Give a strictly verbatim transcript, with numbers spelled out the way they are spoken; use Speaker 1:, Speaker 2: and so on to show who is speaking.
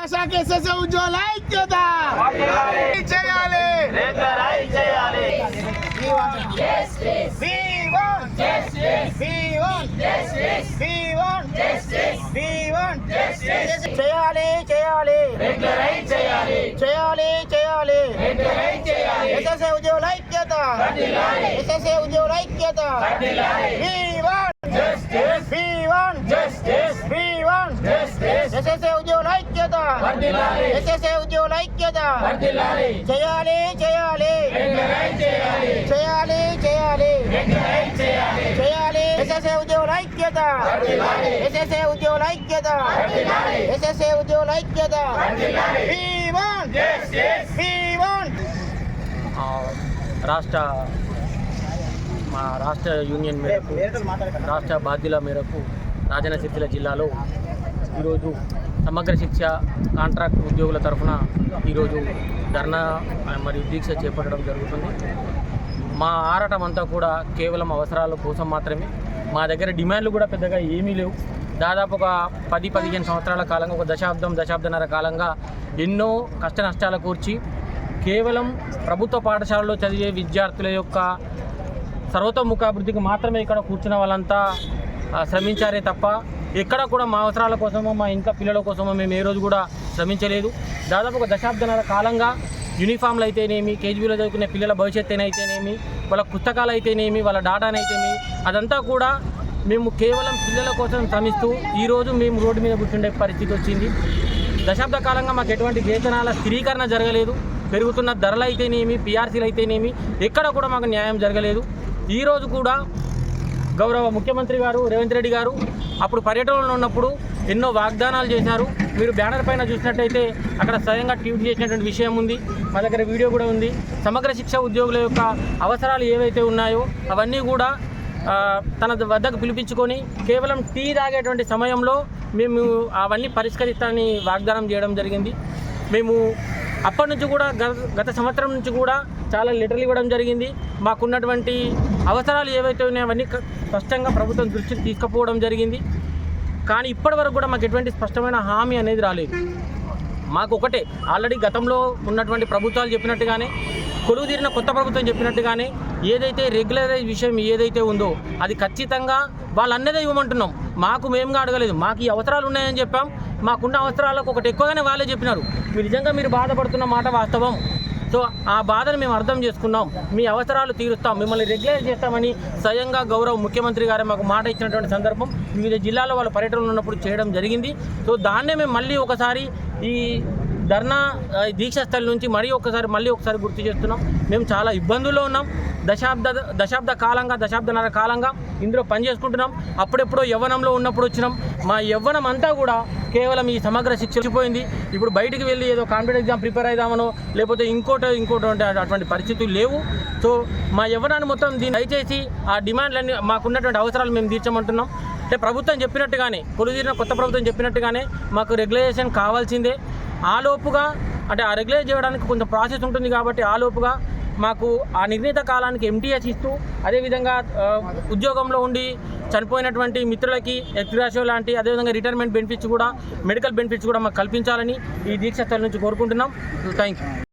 Speaker 1: శాఖ ఎస్ఎస్ఏ ఉద్యోగుల ఐక్యత చేయాలి.
Speaker 2: చేయాలి చేయాలి చేయాలి చేయాలి ఎస్ఎస్ఏ ఉద్యోగుల ఐక్యత ఎస్ఎస్ఏ ఉద్యోగుల ఐక్యత ఎస్ఎస్ఏ ఉద్యోగుల ఐక్యత ఎస్ఎస్ఏ ఉద్యోగుల ఐక్యత చేయాలి చేయాలి చేయాలి చేయాలి చేయాలి ఎస్ఎస్ఏ ఉద్యోగుల ఐక్యత ఎస్ఎస్ఏ ఉద్యోగుల ఐక్యత ఎస్ఎస్ఏ ఉద్యోగుల ఐక్యత రాష్ట్ర మా రాష్ట్ర యూనియన్ మేరకు రాష్ట్ర బాధ్యుల మేరకు రాజన్న సిరిసిల్ల జిల్లాలో ఈరోజు సమగ్ర శిక్ష కాంట్రాక్ట్ ఉద్యోగుల తరఫున ఈరోజు ధర్నా మరియు దీక్ష చేపట్టడం జరుగుతుంది. మా ఆరాటం అంతా కూడా కేవలం అవసరాల కోసం మాత్రమే. మా దగ్గర డిమాండ్లు కూడా పెద్దగా ఏమీ లేవు. దాదాపు ఒక పది పదిహేను సంవత్సరాల కాలంగా, ఒక దశాబ్దం దశాబ్దన్నర కాలంగా ఎన్నో కష్ట నష్టాల కూర్చి కేవలం ప్రభుత్వ పాఠశాలలో చదివే విద్యార్థుల యొక్క సర్వతోముఖాభివృద్ధికి మాత్రమే ఇక్కడ కూర్చున్న వాళ్ళంతా శ్రమించారే తప్ప ఎక్కడ కూడా మా అవసరాల కోసమో మా ఇంకా పిల్లల కోసమో మేము ఏ రోజు కూడా శ్రమించలేదు. దాదాపు ఒక దశాబ్దన్నర కాలంగా యూనిఫామ్లు అయితేనేమి, కేజీబీలో చదువుకునే పిల్లల భవిష్యత్తు అయితేనేమి, వాళ్ళ పుస్తకాలు అయితేనేమి, వాళ్ళ డాటానైతేనేమి, అదంతా కూడా మేము కేవలం పిల్లల కోసం శ్రమిస్తూ ఈరోజు మేము రోడ్డు మీద కూర్చుండే పరిస్థితి వచ్చింది. దశాబ్ద కాలంగా మాకు ఎటువంటి వేతనాల స్థిరీకరణ జరగలేదు. పెరుగుతున్న ధరలు అయితేనేమి, పీఆర్సీలు అయితేనేమి, ఎక్కడ కూడా మాకు న్యాయం జరగలేదు. ఈరోజు కూడా గౌరవ ముఖ్యమంత్రి గారు రేవంత్ రెడ్డి గారు అప్పుడు పర్యటనలో ఉన్నప్పుడు ఎన్నో వాగ్దానాలు చేశారు. మీరు బ్యానర్ పైన చూసినట్టయితే అక్కడ స్వయంగా ట్వీట్ చేసినటువంటి విషయం ఉంది. మా దగ్గర వీడియో కూడా ఉంది. సమగ్ర శిక్ష ఉద్యోగుల యొక్క అవసరాలు ఏవైతే ఉన్నాయో అవన్నీ కూడా తన వద్దకు పిలిపించుకొని కేవలం టీ తాగేటువంటి సమయంలో మేము అవన్నీ పరిష్కరిస్తామని వాగ్దానం చేయడం జరిగింది. మేము అప్పటి నుంచి కూడా గత సంవత్సరం నుంచి కూడా చాలా లెటర్లు ఇవ్వడం జరిగింది. మాకున్నటువంటి అవసరాలు ఏవైతే ఉన్నాయో అవన్నీ స్పష్టంగా ప్రభుత్వం దృష్టికి తీసుకుపోవడం జరిగింది. కానీ ఇప్పటి వరకు కూడా మాకు ఎటువంటి స్పష్టమైన హామీ అనేది రాలేదు. మాకు ఒకటే, ఆల్రెడీ గతంలో ఉన్నటువంటి ప్రభుత్వాలు చెప్పినట్టుగానే, కొలువు తీరిన కొత్త ప్రభుత్వం చెప్పినట్టుగానే ఏదైతే రెగ్యులరైజ్ విషయం ఏదైతే ఉందో అది ఖచ్చితంగా వాళ్ళన్నదే ఇవ్వమంటున్నాం. మాకు మేముగా అడగలేదు. మాకు ఈ అవసరాలు ఉన్నాయని చెప్పాం. మాకున్న అవసరాలకు ఒకటి ఎక్కువగానే వాళ్ళే చెప్పినారు. మీరు నిజంగా మీరు బాధపడుతున్న మాట వాస్తవం. సో ఆ బాధను మేము అర్థం చేసుకున్నాం. మీ అవసరాలు తీరుస్తాం, మిమ్మల్ని రెగ్యులైజ్ చేస్తామని స్వయంగా గౌరవ ముఖ్యమంత్రి గారు మాకు మాట ఇచ్చినటువంటి సందర్భం వివిధ జిల్లాల్లో వాళ్ళ పర్యటనలు ఉన్నప్పుడు చేయడం జరిగింది. సో దాన్నే మేము మళ్ళీ ఒకసారి ఈ ధర్నా దీక్ష స్థలి నుంచి మరీ ఒకసారి మళ్ళీ ఒకసారి గుర్తు చేస్తున్నాం. మేము చాలా ఇబ్బందుల్లో ఉన్నాం. దశాబ్ద దశాబ్ద కాలంగా దశాబ్దన్నర కాలంగా ఇందులో పనిచేసుకుంటున్నాం. అప్పుడెప్పుడో యవ్వనంలో ఉన్నప్పుడు వచ్చినాం. మా యవ్వనం అంతా కూడా కేవలం ఈ సమగ్ర శిక్ష వచ్చిపోయింది. ఇప్పుడు బయటికి వెళ్ళి ఏదో కాంపిటేటివ్ ఎగ్జామ్ ప్రిపేర్ అయిదామనో లేకపోతే ఇంకోటో ఇంకోటి అటువంటి పరిస్థితులు లేవు. సో మా యవ్వనాన్ని మొత్తం దీన్ని దయచేసి ఆ డిమాండ్లన్నీ మాకున్నటువంటి అవసరాలు మేము తీర్చమంటున్నాం. అంటే ప్రభుత్వం చెప్పినట్టుగానే, కొలుదీరిన కొత్త ప్రభుత్వం చెప్పినట్టుగానే మాకు రెగ్యులేషన్ కావాల్సిందే. ఆలోపుగా అంటే ఆ రెగ్యులేట్ చేయడానికి కొంచెం ప్రాసెస్ ఉంటుంది కాబట్టి ఆలోపుగా మాకు ఆ నిర్ణీత కాలానికి ఎంటీఎస్ ఇస్తూ, అదేవిధంగా ఉద్యోగంలో ఉండి చనిపోయినటువంటి మిత్రులకి ఎక్స్గ్రాషియో లాంటి, అదేవిధంగా రిటైర్మెంట్ బెనిఫిట్స్ కూడా, మెడికల్ బెనిఫిట్స్ కూడా మాకు కల్పించాలని ఈ దీక్ష స్థలం నుంచి కోరుకుంటున్నాం. Thank you.